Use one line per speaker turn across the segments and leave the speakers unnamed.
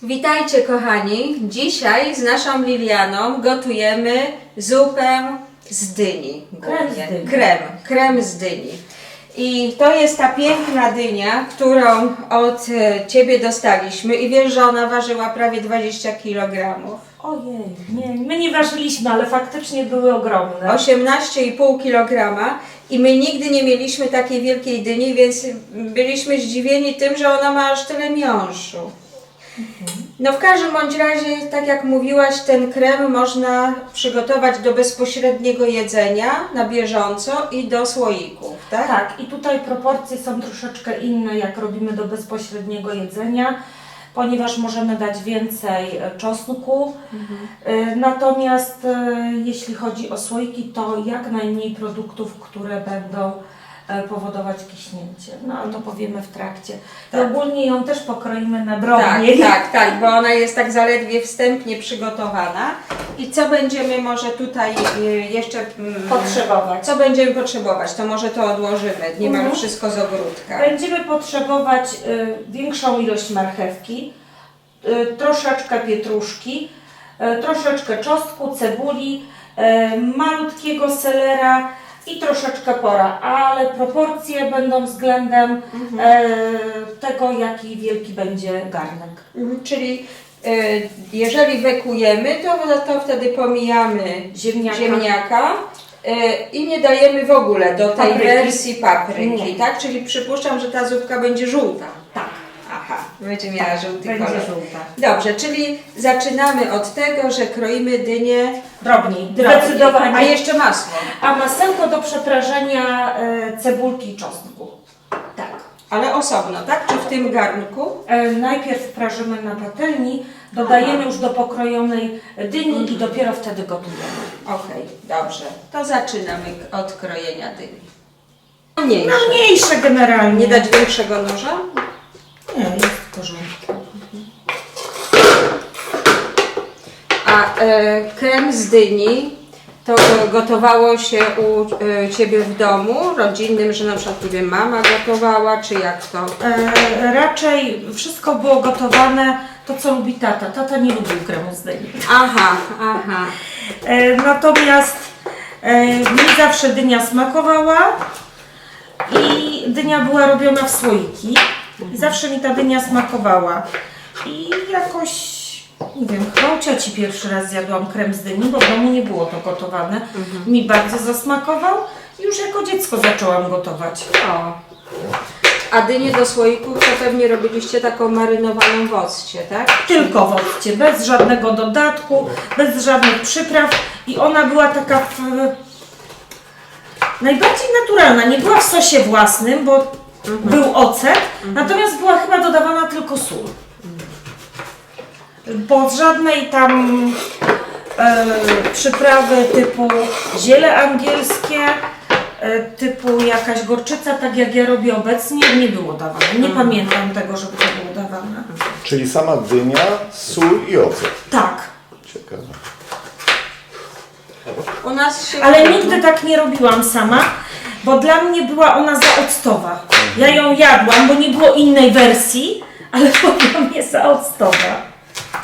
Witajcie kochani, dzisiaj z naszą Lilianą gotujemy zupę z dyni. Krem z dyni. I to jest ta piękna dynia, którą od Ciebie dostaliśmy i wiesz, że ona ważyła prawie 20 kg.
Ojej, nie, my nie ważyliśmy, ale faktycznie były ogromne.
18,5 kg i my nigdy nie mieliśmy takiej wielkiej dyni, więc byliśmy zdziwieni tym, że ona ma aż tyle miąższu. No w każdym bądź razie, tak jak mówiłaś, ten krem można przygotować do bezpośredniego jedzenia na bieżąco i do słoików, tak?
Tak, i tutaj proporcje są troszeczkę inne, jak robimy do bezpośredniego jedzenia, ponieważ możemy dać więcej czosnku. Natomiast jeśli chodzi o słoiki, to jak najmniej produktów, które będą powodować kiśnięcie. No ale to powiemy w trakcie. Tak. I ogólnie ją też pokroimy na drobniej.
Tak, bo ona jest tak zaledwie wstępnie przygotowana. I co będziemy może tutaj jeszcze
potrzebować?
Co będziemy potrzebować? To może to odłożymy. Nie mam wszystko z ogródka.
Będziemy potrzebować większą ilość marchewki, troszeczkę pietruszki, troszeczkę czosnku, cebuli, malutkiego selera i troszeczkę pora, ale proporcje będą względem tego, jaki wielki będzie garnek.
Czyli jeżeli wekujemy, to wtedy pomijamy ziemniaka i nie dajemy w ogóle do tej wersji papryki, tak? Czyli przypuszczam, że ta zupka będzie żółta.
Tak.
Aha, będzie miała żółty kolor.
Będzie żółta.
Dobrze, czyli zaczynamy od tego, że kroimy dynię
drobniej. Zdecydowanie.
A jeszcze masło.
A masełko do przeprażenia cebulki i czosnku. Tak.
Ale osobno, tak? Czy w tym garnku?
Najpierw prażymy na patelni, dodajemy już do pokrojonej dyni i dopiero wtedy gotujemy.
Okej, dobrze. To zaczynamy od krojenia dyni.
Mniejsze generalnie.
Nie dać większego noża?
Nie, jest w porządku.
A krem z dyni to gotowało się u Ciebie w domu, rodzinnym, że na przykład, nie wiem, mama gotowała, czy jak to?
Raczej wszystko było gotowane, to co lubi tata. Tata nie lubił kremu z dyni.
Aha.
Natomiast mi zawsze dynia smakowała i dynia była robiona w słoiki. I zawsze mi ta dynia smakowała. I jakoś, nie wiem, chyba u cioci pierwszy raz zjadłam krem z dyni, bo w domu nie było to gotowane. Mi bardzo zasmakował i już jako dziecko zaczęłam gotować.
O. A dynię do słoików to pewnie robiliście taką marynowaną w occie, tak?
Tylko w occie, bez żadnego dodatku, bez żadnych przypraw i ona była taka najbardziej naturalna. Nie była w sosie własnym, bo był ocet, natomiast była chyba dodawana tylko sól. Bo żadnej tam przyprawy typu ziele angielskie, typu jakaś gorczyca, tak jak ja robię obecnie, nie było dawane. Nie pamiętam tego, żeby to było dawane.
Czyli sama dynia, sól i ocet.
Tak.
Ciekawe.
U nas się...
Ale nigdy tak nie robiłam sama, bo dla mnie była ona zaoctowa. Ja ją jadłam, bo nie było innej wersji, ale była mnie zaoctowa.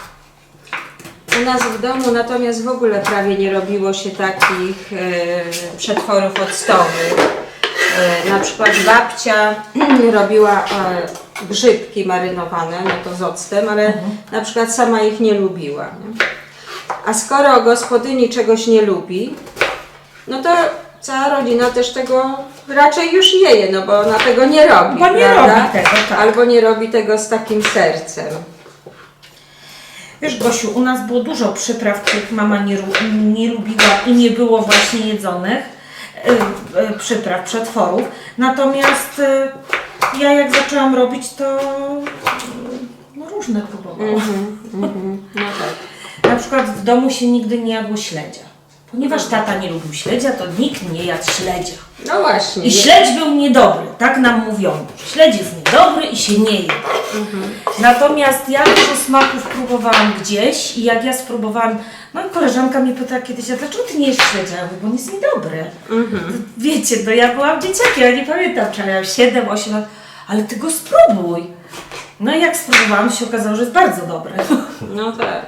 U nas w domu natomiast w ogóle prawie nie robiło się takich przetworów octowych. Na przykład babcia robiła grzybki marynowane, no to z octem, ale na przykład sama ich nie lubiła. Nie? A skoro gospodyni czegoś nie lubi, no to cała rodzina też tego raczej już nie je, no bo ona tego nie robi,
bo nie robi tego, tak.
Albo nie robi tego z takim sercem.
Wiesz, Gosiu, u nas było dużo przypraw, których mama nie lubiła i nie było właśnie jedzonych, przypraw, przetworów. Natomiast ja jak zaczęłam robić, to no, różne próbowałam.
No tak.
Na przykład w domu się nigdy nie jadło śledzia. Ponieważ tata nie lubił śledzia, to nikt nie jadł śledzia.
No właśnie.
I śledź był niedobry, tak nam mówiono. Śledź jest niedobry i się nie je. Natomiast ja dużo smaków próbowałam gdzieś i jak ja spróbowałam, no i koleżanka mnie pytała kiedyś, a dlaczego ty nie jesz śledzia? Ja mówię, bo on jest niedobry. Wiecie, no ja byłam dzieciakiem, ja nie pamiętam, czy ja miałam 7, 8 lat, ale ty go spróbuj. No i jak spróbowałam, się okazało, że jest bardzo dobre.
No tak.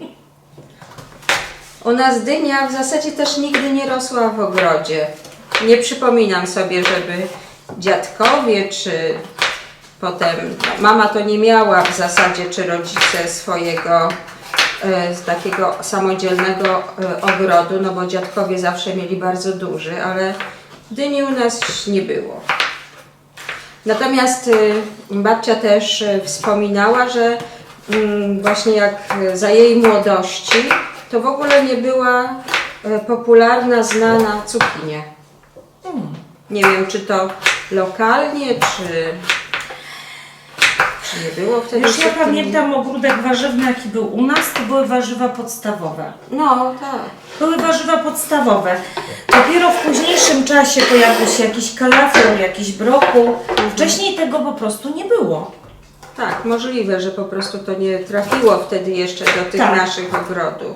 U nas dynia w zasadzie też nigdy nie rosła w ogrodzie. Nie przypominam sobie, żeby dziadkowie czy potem mama to nie miała w zasadzie, czy rodzice swojego z takiego samodzielnego ogrodu, no bo dziadkowie zawsze mieli bardzo duży, ale dyni u nas nie było. Natomiast babcia też wspominała, że właśnie jak za jej młodości, to w ogóle nie była popularna, znana cukinia. Nie wiem, czy to lokalnie, czy nie było wtedy
Już ja
cukinii.
pamiętam ogródek warzywny, jaki był u nas, to były warzywa podstawowe.
No tak.
Były warzywa podstawowe. Dopiero w późniejszym czasie pojawił się jakiś kalafior, jakiś brokuł. Wcześniej tego po prostu nie było.
Tak, możliwe, że po prostu to nie trafiło wtedy jeszcze do tych
Tak.
naszych ogrodów.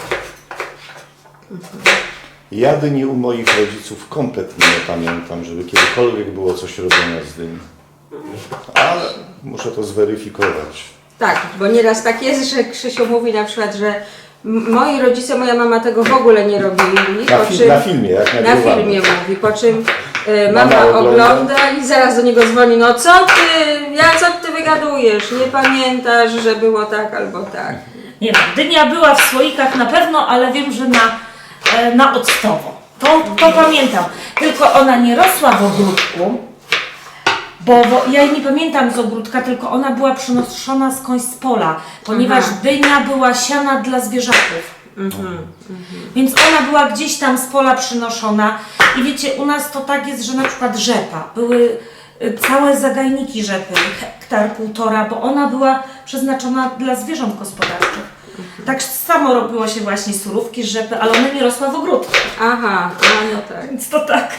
Ja dyni u moich rodziców kompletnie nie pamiętam, żeby kiedykolwiek było coś robione z dyni. Ale muszę to zweryfikować.
Tak, bo nieraz tak jest, że Krzysiu mówi na przykład, że moi rodzice, moja mama tego w ogóle nie robili.
Na filmie, jak
Na
nagrywamy.
filmie mówi, po czym
Mama
mama
ogląda.
ogląda i zaraz do niego dzwoni, no co ty wygadujesz, nie pamiętasz, że było tak albo tak.
Nie wiem, dynia była w słoikach na pewno, ale wiem, że na octowo. To pamiętam. Tylko ona nie rosła w ogródku, bo ja jej nie pamiętam z ogródka, tylko ona była przynoszona skądś z pola, ponieważ dynia była siana dla zwierzaków. Więc ona była gdzieś tam z pola przynoszona i wiecie, u nas to tak jest, że na przykład rzepa, były całe zagajniki rzepy, 1,5 hektar, bo ona była przeznaczona dla zwierząt gospodarczych. Tak samo robiło się właśnie surówki z rzepy, ale ona nie rosła w ogródku,
Aha, no tak.
więc to tak.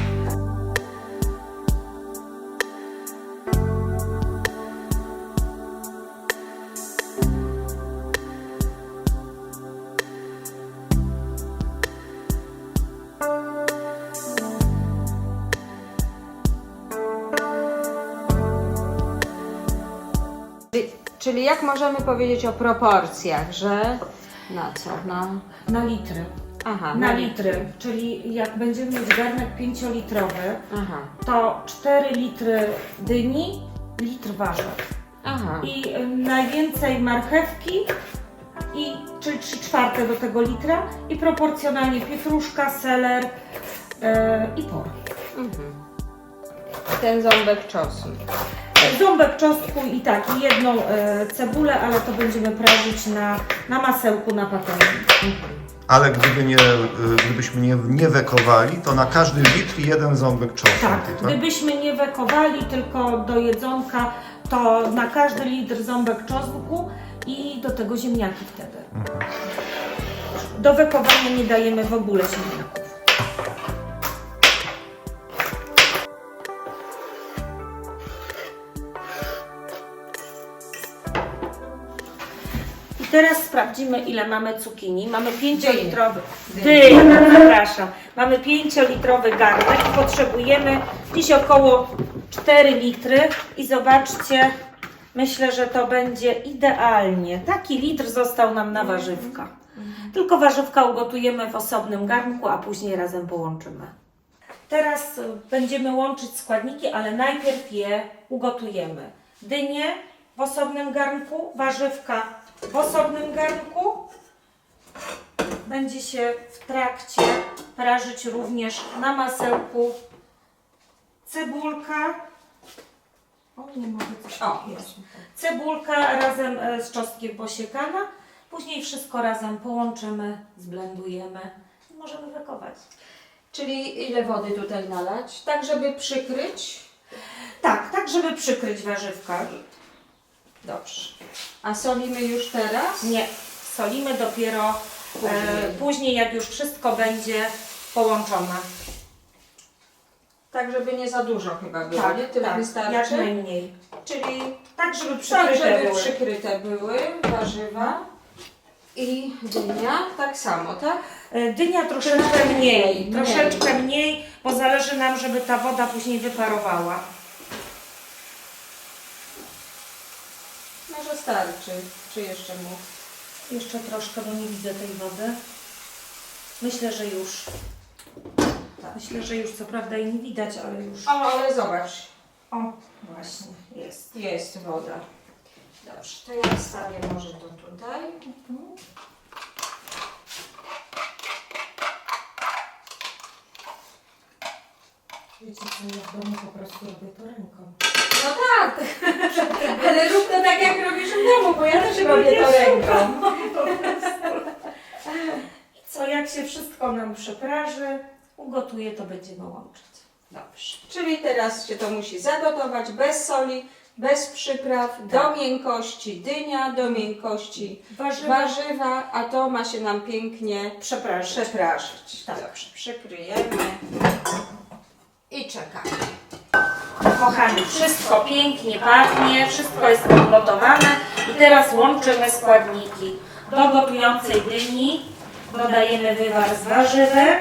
Czyli jak możemy powiedzieć o proporcjach, że na co?
Na litry.
Aha,
Na litry, czyli jak będziemy mieć garnek 5-litrowy,
Aha,
to 4 litry dyni, litr warzyw.
aha.
I najwięcej marchewki, czyli 3/4 do tego litra i proporcjonalnie pietruszka, seler i por.
Ten ząbek czosnu.
Ząbek czosnku i tak, i jedną cebulę, ale to będziemy prażyć na masełku na patelni.
Ale gdybyśmy nie wekowali, to na każdy litr jeden ząbek czosnku.
Tak, gdybyśmy nie wekowali tylko do jedzonka, to na każdy litr ząbek czosnku i do tego ziemniaki wtedy. Do wekowania nie dajemy w ogóle ziemniaków. I teraz sprawdzimy, ile mamy cukinii. Mamy 5-litrowy. Przepraszam. Mamy 5-litrowy garnek i potrzebujemy gdzieś około 4 litry. I zobaczcie, myślę, że to będzie idealnie. Taki litr został nam na warzywka. Tylko warzywka ugotujemy w osobnym garnku, a później razem połączymy. Teraz będziemy łączyć składniki, ale najpierw je ugotujemy. Dynie w osobnym garnku, warzywka w osobnym garnku. Będzie się w trakcie prażyć również na masełku cebulka. O, nie mogę coś. O, jest. Cebulka razem z czosnkiem posiekana. Później wszystko razem połączymy, zblendujemy i możemy wekować.
Czyli ile wody tutaj nalać? Tak, żeby przykryć?
Tak, żeby przykryć warzywka.
Dobrze. A solimy już teraz?
Nie, solimy dopiero później, jak już wszystko będzie połączone.
Tak, żeby nie za dużo chyba było, nie? Tyle wystarczy?
jak najmniej.
Czyli
Tak, żeby
tak,
przykryte
żeby
były.
przykryte były warzywa i dynia tak samo, tak?
Dynia troszeczkę mniej,
Mniej.
troszeczkę mniej, bo zależy nam, żeby ta woda później wyparowała.
starczy. Czy jeszcze mu?
Jeszcze troszkę, bo nie widzę tej wody. Myślę, że już. Myślę, że już co prawda jej nie widać, ale już.
O, ale zobacz.
O, właśnie, jest.
Jest woda. Dobrze, to ja wstawię może to tutaj.
Wiecie co, ja w domu po prostu robię to ręką.
No tak, ale rób to tak jak robisz w domu, bo ja też robię to ręką.
Co, jak się wszystko nam przepraży, ugotuje, to będziemy łączyć.
Dobrze, czyli teraz się to musi zagotować bez soli, bez przypraw, do miękkości dynia, do miękkości warzywa, a to ma się nam pięknie przeprażyć.
Tak.
Dobrze, przykryjemy i czekamy.
Kochani, wszystko pięknie pachnie, wszystko jest przygotowane i teraz łączymy składniki. Do gotującej dyni dodajemy wywar z warzywek.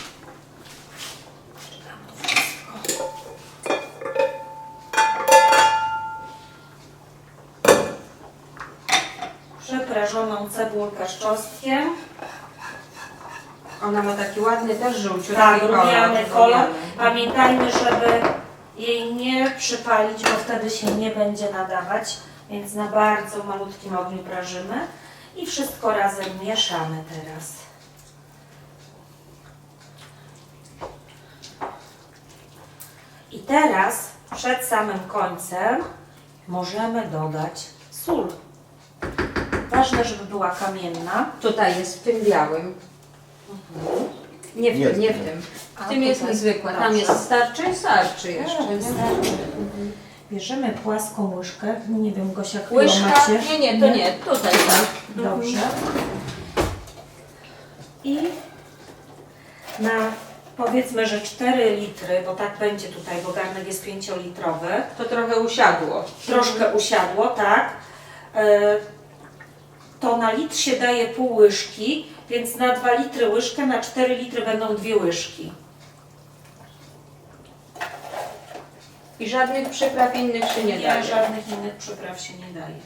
Przeprażoną cebulkę z czosnkiem.
Ona ma taki ładny też żółciutki
Tak,
kolor.
rumiany kolor. Pamiętajmy, żeby jej nie przypalić, bo wtedy się nie będzie nadawać, więc na bardzo malutkim ogniu prażymy i wszystko razem mieszamy teraz. I teraz przed samym końcem możemy dodać sól. Ważne, żeby była kamienna.
Tutaj jest w tym białym. Nie w
Nie
tym,
w
nie
tym.
w tym.
A
W tym jest
tutaj?
niezwykła. Tam
Dobrze.
jest starczy? Starczy jeszcze.
Tak,
nie?
wystarczy. Bierzemy płaską łyżkę. Nie wiem, Gosia, którą
Łyżka?
macie.
Nie, to nie. Tutaj tak.
Dobrze. I na powiedzmy, że 4 litry, bo tak będzie tutaj, bo garnek jest 5-litrowy.
To trochę usiadło.
Troszkę usiadło, tak. To na litr się daje pół łyżki, więc na 2 litry łyżkę, na 4 litry będą 2 łyżki.
I żadnych przypraw innych się nie daje.
Żadnych innych przypraw się nie daje.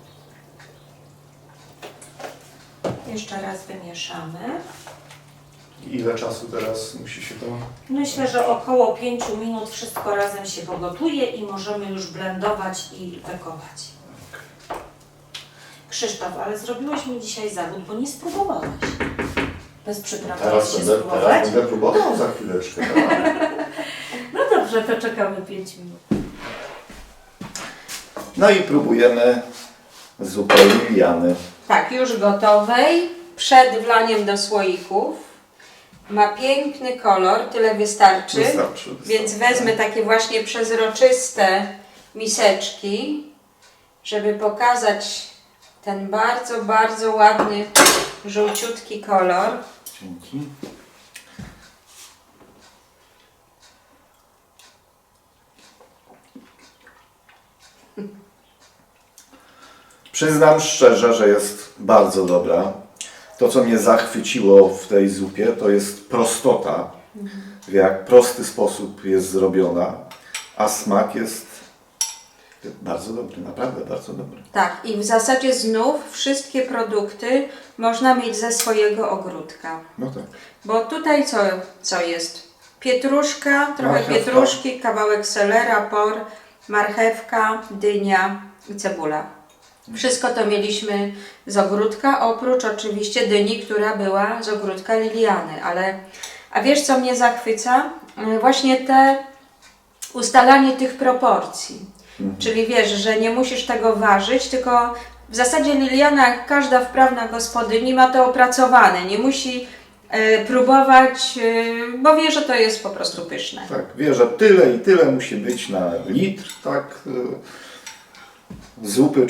Jeszcze raz wymieszamy.
Ile czasu teraz musi się to...
Myślę, że około 5 minut wszystko razem się pogotuje i możemy już blendować i wekować. Krzysztof, ale zrobiłeś mi dzisiaj zawód, bo nie spróbowałeś. Bez przypraw
Teraz
się
będę,
spróbować.
teraz będę próbował za chwileczkę. Tak?
No dobrze, to czekamy 5 minut.
No i próbujemy zupę Liliany.
Tak, już gotowej. Przed wlaniem do słoików. Ma piękny kolor, tyle wystarczy.
Wystarczy.
Więc wezmę takie właśnie przezroczyste miseczki, żeby pokazać ten bardzo, bardzo ładny, żółciutki kolor.
Dzięki. Przyznam szczerze, że jest bardzo dobra. To, co mnie zachwyciło w tej zupie, to jest prostota, w jak prosty sposób jest zrobiona, a smak jest bardzo dobry, naprawdę bardzo dobry.
Tak, i w zasadzie znów wszystkie produkty można mieć ze swojego ogródka.
No tak.
Bo tutaj co jest? Pietruszka, trochę
Marchewka.
pietruszki, kawałek selera, por, marchewka, dynia i cebula. Wszystko to mieliśmy z ogródka, oprócz oczywiście dyni, która była z ogródka Liliany. A wiesz, co mnie zachwyca? Właśnie ustalanie tych proporcji. Czyli wiesz, że nie musisz tego ważyć, tylko w zasadzie Liliana, jak każda wprawna gospodyni, ma to opracowane. Nie musi próbować, bo wie, że to jest po prostu pyszne.
Tak, wie, że tyle i tyle musi być na litr, tak, zupy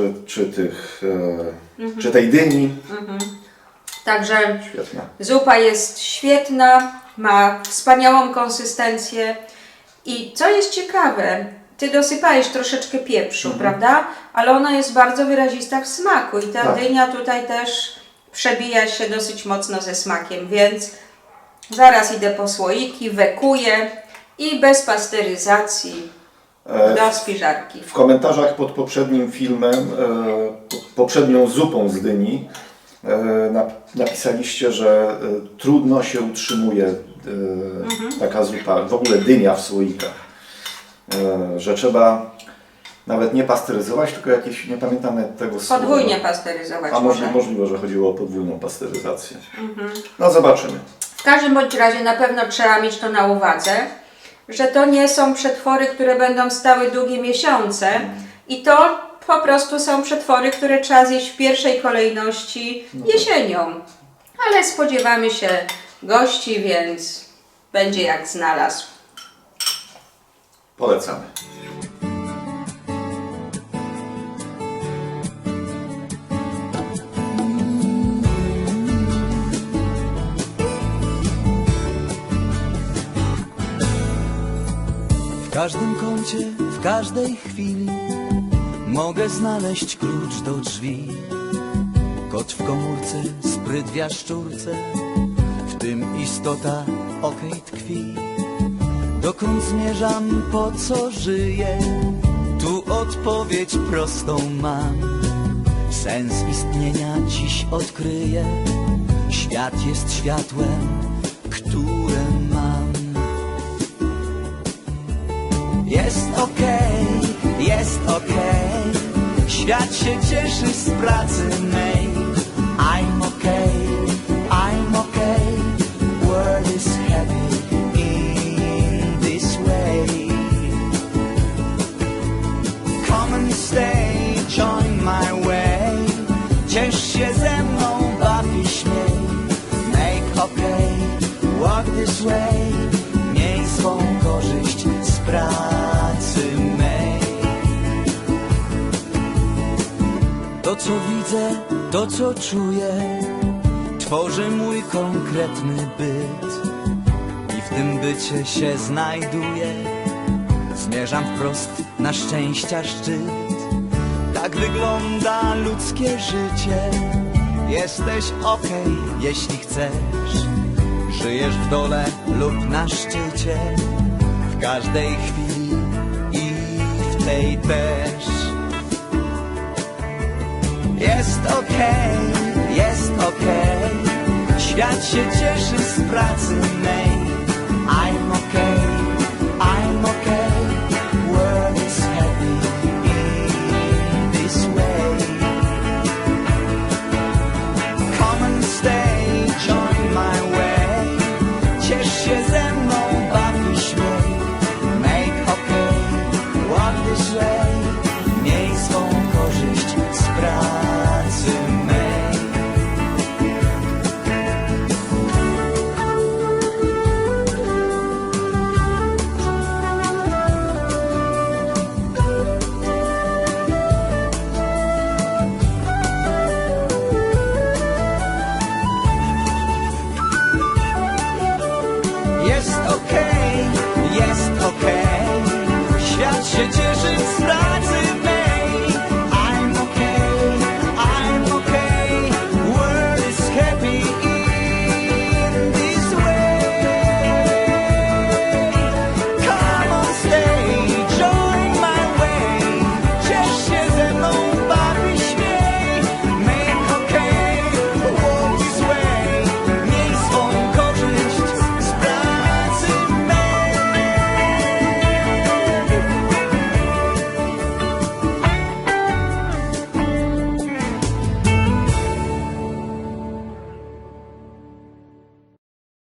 czy tej dyni.
Także
Świetna.
zupa jest świetna, ma wspaniałą konsystencję i co jest ciekawe, Ty dosypałeś troszeczkę pieprzu, prawda? Ale ona jest bardzo wyrazista w smaku i ta
Tak.
dynia tutaj też przebija się dosyć mocno ze smakiem, więc zaraz idę po słoiki, wekuję i bez pasteryzacji. do spiżarki.
W komentarzach pod poprzednim filmem, poprzednią zupą z dyni, napisaliście, że trudno się utrzymuje taka zupa, w ogóle dynia w słoikach. Że trzeba nawet nie pasteryzować, tylko jakieś, nie pamiętam nawet tego słowa.
Podwójnie pasteryzować
A
może.
możliwe, że chodziło o podwójną pasteryzację. No zobaczymy.
W każdym bądź razie na pewno trzeba mieć to na uwadze, że to nie są przetwory, które będą stały długie miesiące i to po prostu są przetwory, które trzeba zjeść w pierwszej kolejności jesienią. Ale spodziewamy się gości, więc będzie jak znalazł.
Polecamy.
W każdym kącie, w każdej chwili mogę znaleźć klucz do drzwi. Kot w komórce, spryt w jaszczurce, w tym istota okej tkwi. Dokąd zmierzam, po co żyję? Tu odpowiedź prostą mam. Sens istnienia dziś odkryję. Świat jest światłem, które mam. Jest okej, świat się cieszy z pracy mej. I'm okay, world is heavy in this way. Come and stay, join my way. Ciesz się ze mną, baw i śmiej. Make okay, walk this way. Miej swą korzyść z pracy mej. To co widzę, to co czuję, tworzy mój konkretny byt. I w tym bycie się znajduję. Zmierzam wprost na szczęścia szczyt. Tak wygląda ludzkie życie. Jesteś okej, jeśli chcesz. Żyjesz w dole lub na szczycie. W każdej chwili i w tej też. Jest okej, świat się cieszy z pracy mej.